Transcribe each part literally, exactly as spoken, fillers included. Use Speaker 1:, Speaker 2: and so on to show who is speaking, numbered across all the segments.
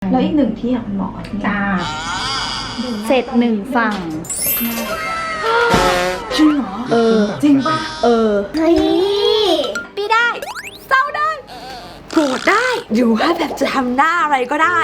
Speaker 1: แล้วอีกหนึ่งที่อ่ะคุณหมอ
Speaker 2: จ้า
Speaker 3: เสร็จหนึ่งฝั่ง
Speaker 1: จริงเหรอ
Speaker 3: เออ
Speaker 1: จริงป่ะ
Speaker 3: เออ
Speaker 2: เฮ้ย
Speaker 1: ปีได้เศร้าได้โกรธได้หรือว่าแบบจะทำหน้าอะไรก็ได้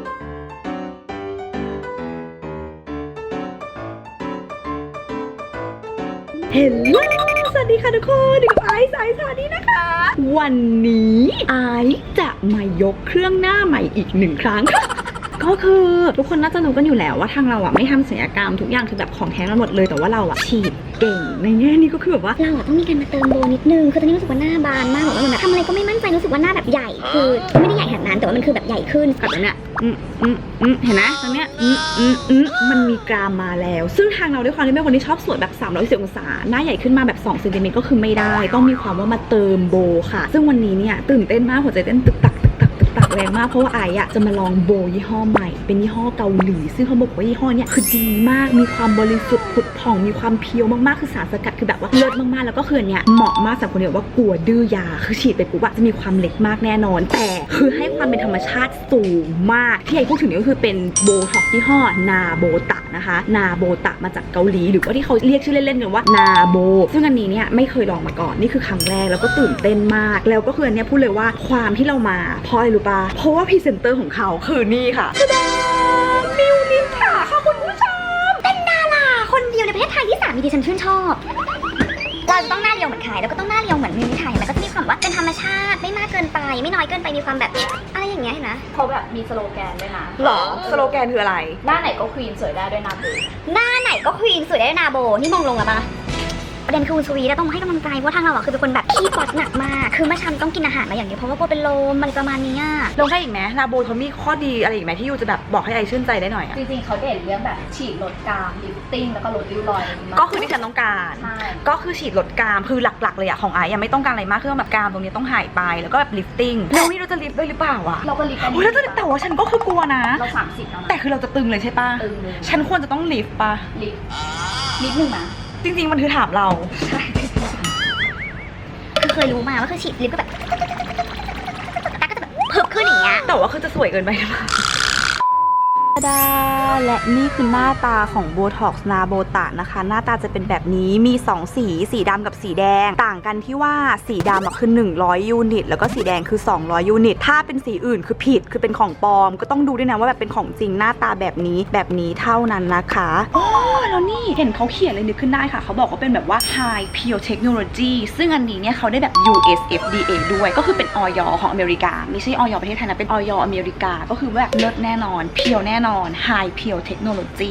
Speaker 3: เฮลโลสวัสดีค่ะทุกคนดิกับไอซ์ไอซ์สวัสดีนะคะ วันนี้ไอซ์จะมายกเครื่องหน้าใหม่อีกหนึ่งครั้ง ก็คือทุกคนน่าจะรู้กันอยู่แล้วว่าทางเราอ่ะไม่ทำศัลยกรรมทุกอย่างคือแบบของแท้ทั้งหมดเลยแต่ว่าเราอ่ะฉีดเก่งในแง่นี้ก็คือแบบว่า
Speaker 2: เราต้องมีการมาเติมโบนิดนึงคือตอนนี้รู้สึกว่าหน้าบานมากแบบว่ามันแบบทำอะไรก็ไม่มั่นใจรู้สึกว่าหน้าแบบใหญ่คือไม่ได้ใหญ่ขนาดนั้นแต่ว่ามันคือแบบใหญ่ขึ้น
Speaker 3: กับตรงเนี้ยอืมอืมอืมเห็นไหมตรงเนี้ยอืมอืมอืมมันมีกรามมาแล้วซึ่งทางเราด้วยความที่เป็นคนที่ชอบสวยแบบสามร้อยสิบองศาหน้าใหญ่ขึ้นมาแบบสองเซนติเมตรก็คือไม่ได้ต้องมีความว่ามาเติมโบค่ะซึ่งวันนี้เนี่ยตื่นเต้นมากหัวใจเต้นตึกตักตักแรงมากเพราะว่าไออะจะมาลองโบยี่ห้อใหม่เป็นยี่ห้อเกาหลีซึ่งเขาบอกว่ายี่ห้อเนี้ยคือดีมากมีความบริสุทธิ์ผุดผ่องมีความเพียวมากๆคือสารสกัดคือแบบว่าเลิศมากๆแล้วก็คือเนี้ยเหมาะมากสำหรับคนที่ว่ากลัวดื้อยาคือฉีดไปปุ๊บอะจะมีความเล็กมากแน่นอนแต่คือให้ความเป็นธรรมชาติสูงมากที่ไอพูดถึงนี้ก็คือเป็นโบท็อกยี่ห้อนาโบตะนะคะนาโบตะมาจากเกาหลีหรือว่าที่เขาเรียกชื่อเล่นๆกันว่านาโบซึ่งอันนี้เนี่ยไม่เคยลองมาก่อนนี่คือครั้งแรกแล้วก็ตื่นเต้นมากแล้วก็คืออันเนี้ยพูดเลยว่าความที่เรามาเพราะอะไรรู้ปะเพราะว่าพรีเซนเตอร์ของเขาคือนี่ค่ะตาดามิวนิถาค่ะคุณผู้ชม
Speaker 2: เป็นดาราคนเดียวในประเทศไทยที่สามีดิฉันชื่นชอบเราจะต้องหน้าเรียวเหมือนใครแล้วก็ต้องหน้าเรียวเหมือนมิวนิถาแล้วก็จะมีความว่าเป็นธรรมชาติไม่มากเกินไปไม่น้อยเกินไปมีความแบบอะไรอย่างเงี้ยนะ
Speaker 4: เขาแบบมีสโลแกนด้วยนะ
Speaker 3: หรอสโลแกนคืออะไร
Speaker 4: หน้าไหนก็ควีนสวยได้ด้วยนาโบ
Speaker 2: หน้าไหนก็ควีนสวยได้ด้วยนาโบนี่มองลงอะปะประเด็นคือคุณสวีต้องให้กำลังใจเพราะทางเราอะคือเป็นคนแบบขี้ป๊อตหนักมากคือเมื่อเช้าต้องกินอาหารมาอย่างเดียวเพราะว่าโบเป็นลมมันประมาณนี้
Speaker 3: ลงให้อีกไหมนาโบเขามีข้อดีอะไรอีกไหมที่ยูจะแบบบอกให้ไอชื่นใจได้หน่อยอะ
Speaker 4: จริงๆเขาเด่นเรื่องแบบฉีดลดกรามลิฟติ้งแล้วก็ลดริ้วรอย
Speaker 3: ก็คือที่ฉันต้องการก็คือฉีดลดกรามคือหลักๆเลยอะของไอยังไม่ต้องการอะไรมากคือแบบกรามตรงนี้ต้องหายไปแล้วก็แบบลิฟติ้งแล้วนี่เราจะลิฟด้วยหรือเปล่าอะ
Speaker 4: เราก็ลิฟต์
Speaker 3: โอ้ยแล้วแต่ว่าฉันก็คือกลัวนะ
Speaker 4: เราสามสิบแล้วนะ
Speaker 3: แต่คือเราจะตึงเลยใช่ปะ
Speaker 4: ตึงเลย
Speaker 3: ฉันควรจะต้องลิฟปะ
Speaker 4: ลิฟนิดนึงนะ
Speaker 3: จริงๆมันคือถามเรา
Speaker 4: ใช่
Speaker 2: คือเคยรู้มาว่าคือฉีดลิปก็แบบตาก็จะแบบเพิ่มขึ้นอย่างเงี้ย
Speaker 3: แต่ว่าคือจะสวยเกินไปหรือเปล่าดาและนี่คือหน้าตาของโบท็อกซ์นาโบตะนะคะหน้าตาจะเป็นแบบนี้มีสองสีสีดำกับสีแดงต่างกันที่ว่าสีดำคือหนึ่งร้อยยูนิตแล้วก็สีแดงคือสองร้อยยูนิตถ้าเป็นสีอื่นคือผิดคือเป็นของปลอมก็ต้องดูด้วยนะว่าแบบเป็นของจริงหน้าตาแบบนี้แบบนี้เท่านั้นนะคะอ๋อแล้วนี่เห็นเขาเขียนเลยนึกขึ้นได้ค่ะเขาบอกว่าเป็นแบบว่า High Pure Technology ซึ่งอันนี้เนี่ยเขาได้แบบ ยู เอส เอฟ ดี เอ ด้วยก็คือเป็นออยของอเมริกาไม่ใช่ออยประเทศไทยนะเป็นออยอเมริกาก็คือแบบเลิศแน่นอนเพียวแน่นอนHigh Pure Technology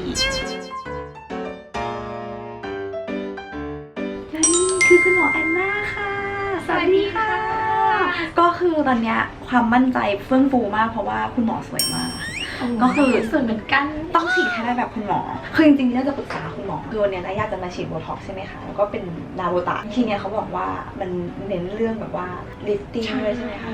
Speaker 3: และนี่คือคุณหมอแอนนาค่ะสวัสดีค่ะก็คือตอนเนี้ยความมั่นใจเฟื่องฟูมากเพราะว่าคุณหมอสวยมากก็คือ
Speaker 4: สวยเหมือนกัน
Speaker 3: ต้องฉีดให้ได้แบบคุณหมอคือจริงๆเนี่ยจะปรึกษาคุณหมอคือวันนี้นะอยากจะมาฉีดโบท็อกซ์ใช่ไหมคะแล้วก็เป็นนาโบตะทีเนี้ยเขาบอกว่ามันเน้นเรื่องแบบว่าลิฟติ้งด้วยใช่ไหมคะ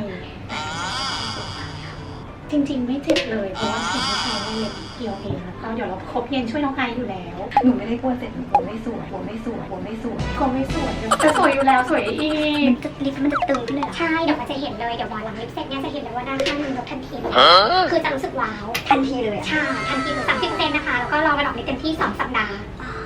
Speaker 4: จริงๆไม่เจ็บเลยเพราะว่าสิ่งที่ใช้เล็บเพียวเองแล้วก็เดี๋ยวเราครบเย็นช่วยน้องไออยู่แล้ว
Speaker 3: หนูไม่ได้กลัวเจ็บหนูกลัวไม่สวยกลัวไม่สวยกลัวไม่สวย
Speaker 4: กลัวไม่สวยแต่สวยอยู่แล้วสวยอีก
Speaker 2: มันจะลิปมันจะตึงขึ้นเลยใช่เดี๋ยวมันจะเห็นเลยเดี๋ยวพอหลังลิปเสร็จเนี่ยจะเห็นเลยว่าด้านข้างมันลดทันทีคือจะรู้สึกว้าวทันทีเลยใช่ทันทีคือสามสิบเปอร์เซ็นต์นะคะแล้วก็รอมาดอกนี้เต็มที่สองสัปดาห์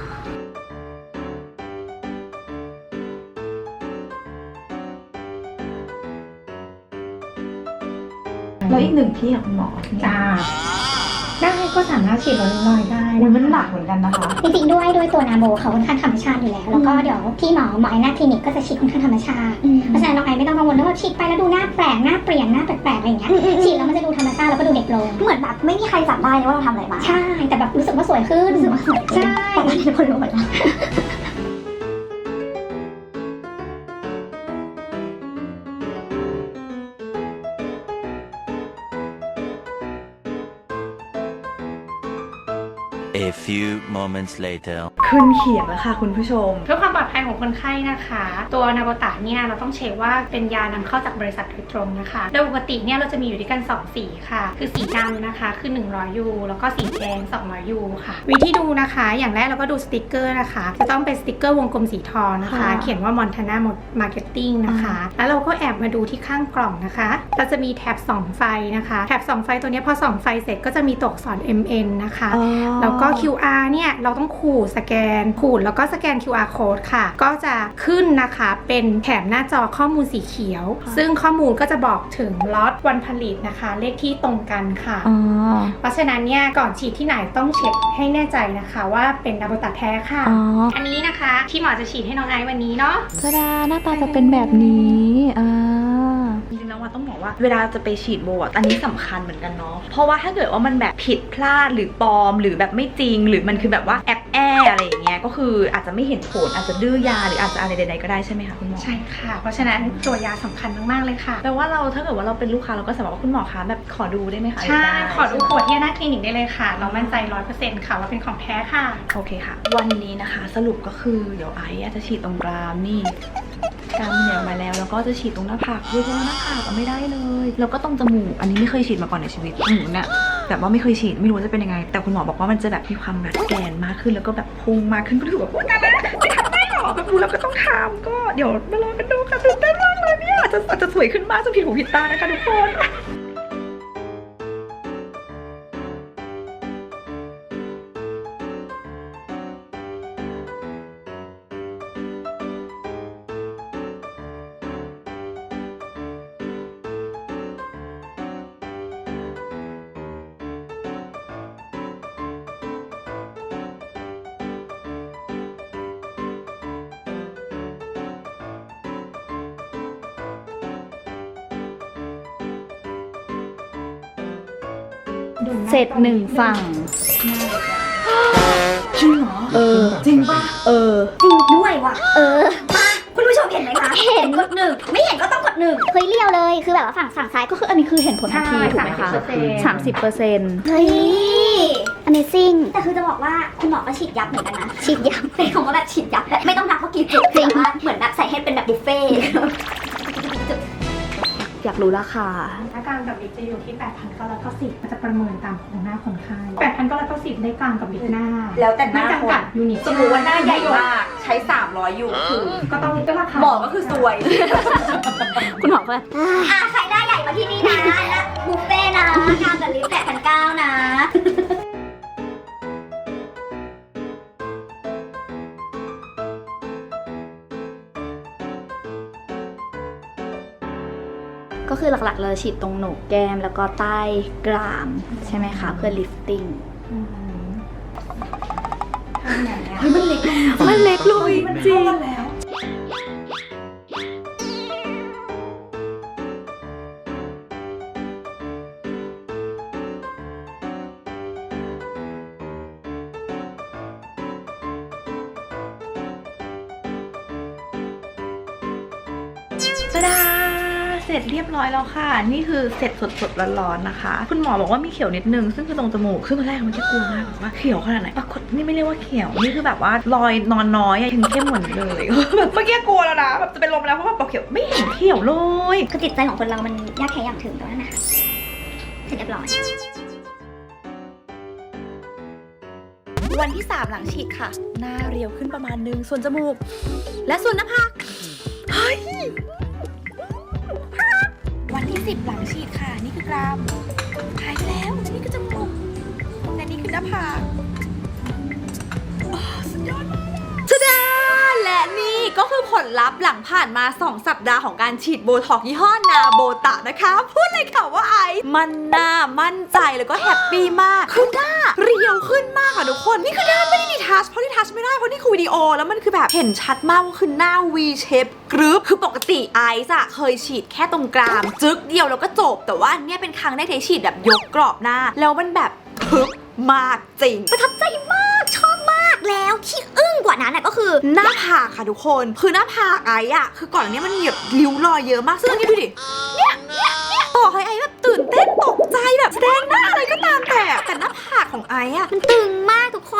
Speaker 1: แล้วอีกหนึ่งที่อ่ะคุณหมอ
Speaker 4: จ้าได้ก็สามารถฉีดลดริ้วรอยได้
Speaker 1: มันหนักเหมือนกันนะคะ
Speaker 2: จริงๆด้วยด้วยตัวนาโบเขาค่อนข้างธรรมชาติอยู่แล้วแล้วก็เดี๋ยวพี่หมอหมอหน้าคลินิกก็จะฉีดค่อนข้างธรรมชาติเพราะฉะนั้นน้องไอไม่ต้องกังวลเรื่องว่าฉีดไปแล้วดูหน้าแปลกหน้าเปลี่ยนหน้าแปลกๆอะไรอย่างเงี้ยฉีดแล้วมันจะดูธรรมชาติแล้วก็ดูเด็กลงเหมือนแบบไม่มีใครจับได้เลยว่าเราทำอะไรมาใช่แต่แบบรู้สึกว่าสวยขึ้นรู้สึกว่าสวยใช่ตอนนี้ทุกคนรู้หมดแล้ว
Speaker 5: A few moments later
Speaker 3: ขึ้นเขียงแล้วค่ะคุณผู้ชม
Speaker 4: เพื่อความปลอดภัยของคนไข้นะคะ ตัวนาโบตะเนี่ยเราต้องเช็คว่าเป็นยานำเข้าจากบริษัทโดยตรงนะคะโดยปกติเนี่ยเราจะมีอยู่ด้วยกันสองสีค่ะคือสีดำนะคะคือหนึ่งร้อยยูแล้วก็สีแดงสองร้อยยูค่ะวิธีดูนะคะอย่างแรกเราก็ดูสติกเกอร์นะคะจะต้องเป็นสติกเกอร์วงกลมสีทองนะคะ
Speaker 3: ค่ะ
Speaker 4: เขียนว่า Montana Marketing นะคะแล้วเราก็แอบมาดูที่ข้างกล่องนะคะเราจะมีแถบส่องไฟนะคะแถบส่องไฟตัวนี้พอส่องไฟเสร็จก็จะมีตัวอักษร เอ็ม เอ็น นะคะ
Speaker 3: อ๋อ
Speaker 4: แล้วก็ คิว อาร์ เนี่ยเราต้องขูดสแกนขูดแล้วก็สแกน คิว อาร์ code ค่ะก็จะขึ้นนะคะเป็นแถบหน้าจอข้อมูลสีเขียว ซึ่งข้อมูลก็จะบอกถึงล็อตวันผลิตนะคะเลขที่ตรงกันค่ะ
Speaker 3: อ๋อ
Speaker 4: เพราะฉะนั้นเนี่ยก่อนฉีดที่ไหนต้องเช็คให้แน่ใจนะคะว่าเป็นนาโบตะแท้ค่ะ
Speaker 3: อ๋อ
Speaker 4: อันนี้นะคะที่หมอจะฉีดให้น้องไอซ์วันนี้เนาะ
Speaker 3: ตาดาหน้าตาจะเป็นแบบนี้อ่าจริงๆแล้วว่าต้องบอกว่าเวลาจะไปฉีดโบอ่ะอันนี้สำคัญเหมือนกันเนาะเพราะว่าถ้าเกิดว่ามันแบบผิดพลาดหรือปลอมหรือแบบไม่จริง หรือมันคือแบบว่าแอบแออะไรอย่างเงี้ยก็คืออาจจะไม่เห็นผลอาจจะดื้อยาหรืออาจจะอะไรใดๆก็ได้ใช่ไหมคะคุณหมอ
Speaker 4: ใช่ค่ะ เพราะฉะนั้นตัวยาสำคัญมากๆเลยค่ะ
Speaker 3: แปลว่าเราถ้าเกิดว่าเราเป็นลูกค้าเราก็สามารถว่าคุณหมอคะแบบขอดูได้ไหมคะ
Speaker 4: ใช่
Speaker 3: ได้
Speaker 4: ขอดูขวดที่หน้าคลินิกได้เลยค่ะ เรามั่นใจ ร้อยเปอร์เซ็นต์ ค่ะว่าเป็นของแท้ค่ะ
Speaker 3: โอเคค่ะ วันนี้นะคะสรุปก็คือเดี๋ยวไอซ์อาจจะฉีดตรงกรามนี่กรามเหนียวมาแล้วแล้วก็จะฉีดตรงหน้าผากด้วยเพราะว่าหน้าผากก็ไม่ได้เลยแล้วก็ตรงจมูกอันนี้ไม่เคยฉีดมาก่อนในชีวิตหนูเนี่ยแบบว่าไม่เคยฉีดไม่รู้ว่าจะเป็นยังไง แต่คุณหมอบอกว่ามันจะแบบมีความแบบแกนมากขึ้นแล้วก็แบบพุงมากขึ้นก็ถือว่าพูดนะจะทำได้หรอแบบรู้แล้วก็ต้องทำก็เดี๋ยวมาลองกันดูค่ะตื่นเต้นมากเลยเนี่ยอาจจะอาจจะสวยขึ้นมากจนผิดหูผิดตานะคะทุกคน
Speaker 5: เสร็จหนึ่งฝั่ง
Speaker 3: จริงเหรอ
Speaker 5: เออ
Speaker 3: จริงปะ
Speaker 5: เออ
Speaker 2: จริงด้วยว่ะ เออ มา คุณผู้ชมเห็นไหมคะ เห็นกดหนึ่ง ไม่เห็นก็ต้องกดหนึ่งเฮ้ยเลี้ยวเลย คือแบบว่าฝั่งฝั่งซ้ายก็
Speaker 5: ก็คืออันนี้คือเห็นผลทันที
Speaker 4: ใช่
Speaker 5: ถูกไหมคะ
Speaker 4: สามสิบเปอร์เซ็นต์
Speaker 5: สามสิบเปอร์เซ็นต์
Speaker 2: เฮ้ย Amazing แต่คือจะบอกว่าคุณหมอก็ฉีดยับเหมือนกันนะ ฉีดยับ เป็นคำว่าแบบฉีดยับแบบไม่ต้องนับว่ากี่จุดจริงว่าเหมือนแบบใส่ให้เป็นแบบบุฟเฟ่ต์
Speaker 5: อยากรู้ราคา
Speaker 4: หน้ากลางกับลิปจะอยู่ที่ แปดพันเก้าร้อยเก้าสิบ มันจะประเมินตามโครงหน้าคนไข้ แปดพันเก้าร้อยเก้าสิบ ได้กลางกับลิปหน้า
Speaker 1: แล้วแต่หน้า
Speaker 4: ไม่
Speaker 1: ค
Speaker 4: จำกั
Speaker 1: น
Speaker 4: ดยูนิต
Speaker 1: สมมติว่าหน้าใหญ่มากใช้สามร้อยอยู่คือ
Speaker 4: ก็ต้องก็ราคา
Speaker 1: หมอก็คือซวย
Speaker 5: คุณหมอก็
Speaker 2: อ่ะใครหน้าใหญ่มาที่นี่นะนะบุฟเฟ่ต์นะกลางกับลิปแปดพันเก้านะ
Speaker 5: ก็คือหลักๆเลยฉีดตรงโหนกแก้มแล้วก็ใต้กรามใช่ไหมคะ เพื่อลิฟติ้ง
Speaker 1: เฮ้ยมันเล็กลง
Speaker 5: มันเล็กลงจริง
Speaker 1: แล้ว ตาดาเสร็จเรียบร้อยแล้วค่ะ นี่คือเสร็จสดๆร้อนๆนะคะ คุณหมอบอกว่ามีเขียวนิดนึงซึ่งคือตรงจมูกซึ่งตอนแรกมันแค่กลัวมากแบบว่าเขียวขนาดไหนปรากฏนี่ไม่เรียกว่าเขียวนี่คือแบบว่ารอยนอนน้อยอะยังเข้มเหมือนเลย แบบเมื่อกี้กลัวแล้วนะแบบจะเป็นลมแล้วเพราะว่าปอกเขียวไม่เห็นเขียวเลย
Speaker 2: คือจิตใจของคนเรามันยากแค่อย่างถึงตรงนั้นนะคะเสร็จเรียบร้อย
Speaker 1: วันที่สามหลังฉีดค่ะ หน้าเรียวขึ้นประมาณนึงส่วนจมูก และส่วนหน้าผากเฮ้ยวันที่สิบหลังฉีดค่ะ นี่คือกรามหายไปแล้วและนี่คือจมูกและนี่คือหน้าผากโอ้สุดยอดมากชดาและนี่ก็คือผลลัพธ์หลังผ่านมาสองสัปดาห์ของการฉีดโบท็อกซ์ยี่ห้อนาโบตะนะคะพูดเลยค่ะว่าไอมันหน้ามั่นใจแล้วก็แฮปปี้มากคือหน้าเรียวขึ้นมากค่ะทุกคนนี่คือหน้าไม่ได้ดีทัชเพราะดีทัชไม่ได้เพราะนี่คือวิดีโอแล้วมันคือแบบเห็นชัดมากว่าคือหน้า V shape กรึบคือปกติไอซ์อะเคยฉีดแค่ตรงกรามจึ๊กเดียวแล้วก็จบแต่ว่าอันเนี่ยเป็นครั้งแรกที่ฉีดแบบยกกรอบหน้าแล้วมันแบบพึบมากจริงประทับใจมากชอบมากแล้วที่อึ้งกว่านั้นน่ะก็คือหน้าผากค่ะทุกคนคือหน้าผากไอ้อะคือก่อนอันนี้มันมีแบบริ้วรอยเยอะมากซึ่งอันนี้ดูดิเนี่ยเนี่ยเนี่ยต่อให้ไอ้แบบตื่นเต้นตกใจแบบแสดงหน้าอะไรก็ตามแต่แต่หน้าผากของไอ้อะ
Speaker 2: มันตึงมากทุกคน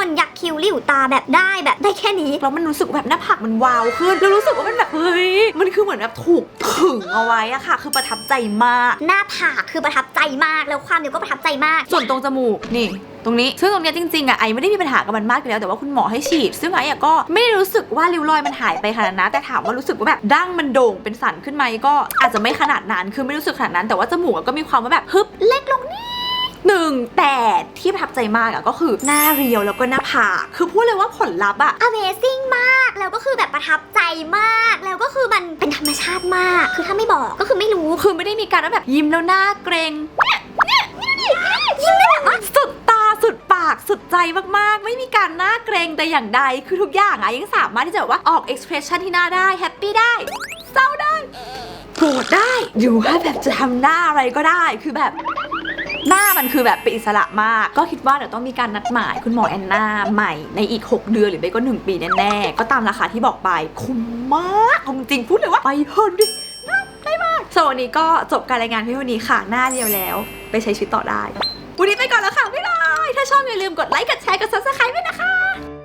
Speaker 6: มันยักคิ้วริ้วตาแบบได้แบบได้แค่นี้
Speaker 1: แล้วมันรู้สึกแบบหน้าผากมันวาวขึ้นแล้วรู้สึกว่ามันแบบเฮ้ยมันคือเหมือนแบบถูกขึงเอาไว้อะค่ะคือประทับใจมาก
Speaker 6: หน้าผากคือประทับใจมากแล้วความเดียวก็ประทับใจมาก
Speaker 1: ส่วนตรงจมูกนี่ตรงนี้ซึ่งตรงเนี้ยจริงๆอะไอไม่ได้มีปัญหากับมันมากอยู่แล้วแต่ว่าคุณหมอให้ฉีดซึ่งไออะก็ไม่ได้รู้สึกว่าริ้วรอยมันหายไปขนาดนั้นแต่ถามว่ารู้สึกว่าแบบดั้งมันโด่งเป็นสันขึ้นไหมก็อาจจะไม่ขนาดนั้นคือไม่รู้สึกขนาดนั้นแต่ว่าจมูกอะก็มีความว่าแบบฮึบเล็กลงนิดหนึ่งแต่ที่ประทับใจมากอะก็คือหน้าเรียวแล้วก็หน้าผากคือพูดเลยว่าผลลัพธ์อะ
Speaker 6: Amazing มากแล้วก็คือแบบประทับใจมากแล้วก็คือมันเป็นธรรมชาติมากคือถ้าไม่บอกก็คือไม่รู้
Speaker 1: คือไม่ได้มีการว่าแบบยิ้มแล้วหน้าเกรงเนี่ยเนี่ยยิ้มได้แบบว่าสุดตาสุดปากสุดใจมากๆไม่มีการหน้าเกรงแต่อย่างใดคือทุกอย่างอะยังสามารถที่จะแบบว่าออก expression ที่หน้าได้แฮปปี้ได้เศร้าได้โกรธได้อยู่ว่าแบบจะทำหน้าอะไรก็ได้คือแบบหน้ามันคือแบบเป็นอิสระมากก็คิดว่าเดี๋ยวต้องมีการนัดหมายคุณหมอแอนนาใหม่ในอีกหกเดือนหรือไม่ก็หนึ่งปีแน่ๆก็ตามราคาที่บอกไปคุ้มมากจริงๆพูดเลยว่าไปเถอะดิได้มากส่วนวันนี้ก็จบการรายงานเพียงเท่านี้ค่ะหน้าเรียวแล้วไปใช้ชีวิตต่อได้วันนี้ไปก่อนแล้วค่ะบ๊ายบายถ้าชอบอย่าลืมกดไลค์กดแชร์กด ซับสไครบ์ ด้วยนะคะ